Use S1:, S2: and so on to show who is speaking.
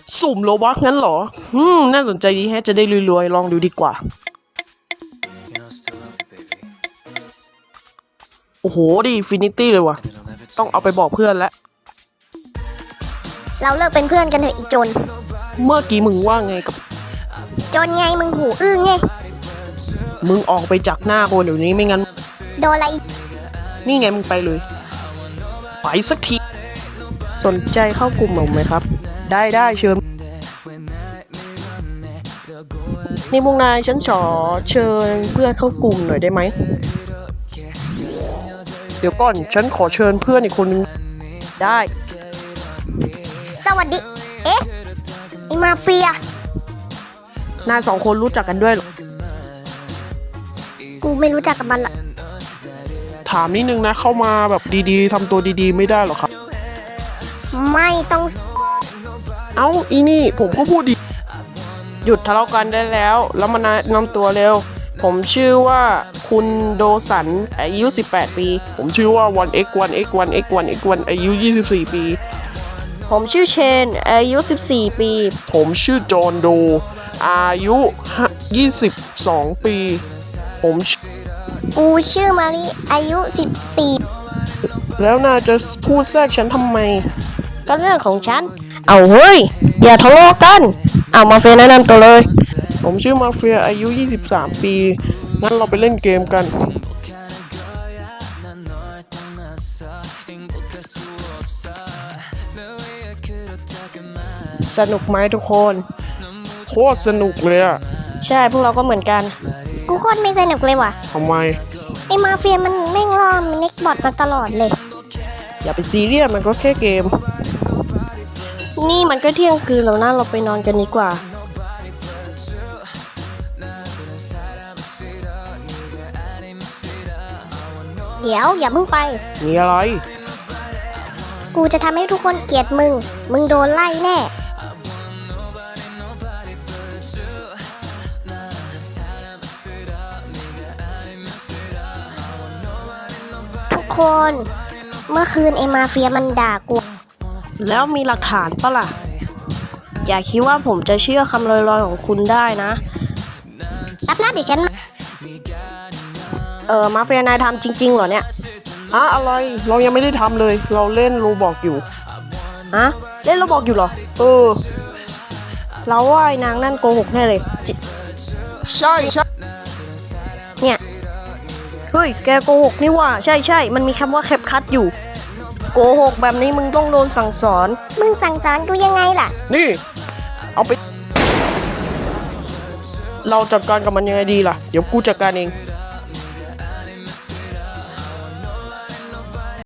S1: สุ่มโลบัคงั้นเหรอน่าสนใจดีแฮะจะได้รวยๆลองดูดีกว่าโอ้โหดีฟินิตี้เลยว่ะต้องเอาไปบอกเพื่อนแล้ว
S2: เราเลิกเป็นเพื่อนกันเถอะอีจน
S1: เมื่อกี้มึงว่าไงกับ
S2: จนไงมึงหูอื้อไง
S1: มึงออกไปจากหน้าคนเดี๋ยวนี้ไม่งั้น
S2: โดนอะไรอีก
S1: นี่ไงมึงไปเลยไปสักทีสนใจเข้ากลุ่มผมไหมครับได้เชิญนี่พวกนายฉันขอเชิญเพื่อนเข้ากลุ่มหน่อยได้ไหมเดี๋ยวก่อนฉันขอเชิญเพื่อนอีกคนนึงได้
S2: สวัสดีเอ๊ะไอมาเฟีย
S1: นายสองคนรู้จักกันด้วยหรอ
S2: กูไม่รู้จักกับมันละ
S1: ถามนิดนึงนะเข้ามาแบบดีๆทำตัวดีๆไม่ได้หรอครับ
S2: ไม่ต้อง
S1: เอ้าอีนี่ผมก็พูดดีหยุดทะเลาะกันได้แล้วมานำตัวเร็วผมชื่อว่าคุณโดสันอายุ18ปีผมชื่อว่า 1x1x1x1x1 อายุ24ปีผมชื่อเชนอายุ14ปีผมชื่อจอห์นโดอายุ22ปี
S2: กูชื่อมารีอายุ14
S1: แล้วนายจะพูดแทรกฉันทำไม
S2: ก็เรื่องของฉันเอาเฮ้ยอย่าทะเลาะกันเอามาเฟียแนะนำตัวเลย
S1: ผมชื่อมาเฟียอายุ23ปีงั้นเราไปเล่นเกมกันสนุกไหมทุกคนโคตรสนุกเลยอ่ะ
S2: ใช่พวกเราก็เหมือนกันกูโคตรไม่สนุกเลยว่ะ
S1: ทำไม
S2: ไอมาเฟียมันแม่งล่อมันเน็กบอทมาตลอดเลย
S1: อย่าไปซีเรียสมันก็แค่เกม
S2: นี่มันก็เที่ยงคืนแล้วนะเราไปนอนกันดีกว่าเดี๋ยวอย่าเพิ่งไป
S1: มีอะไร
S2: กูจะทำให้ทุกคนเกลียดมึงโดนไล่แน่ทุกคนเมื่อคืนไอ้มาเฟียมันด่ากู
S1: แล้วมีหลักฐานปะล่ะอย่าคิดว่าผมจะเชื่อคำลอยๆของคุณได้นะ
S2: รับหน้าเดี๋ยวฉัน
S1: มาเฟียนายทำจริงๆเหรอเนี่ยอะไรเรายังไม่ได้ทำเลยเราเล่นโรบอกอยู่เล่นโรบอกอยู่เหรอเราว่าไอ้นางนั่นโกหกแน่เลยใช่
S2: เนี่ย
S1: เฮ้ยแกโกหกนี่ว่าใช่มันมีคำว่าแคปคัทอยู่โกหกแบบนี้มึงต้องโดนสั่งสอน
S2: มึงสั่งสอนกูยังไงล่ะ
S1: นี่เอาไปเราจัดการกับมันยังไงดีล่ะเดี๋ยวกูจัดการเอง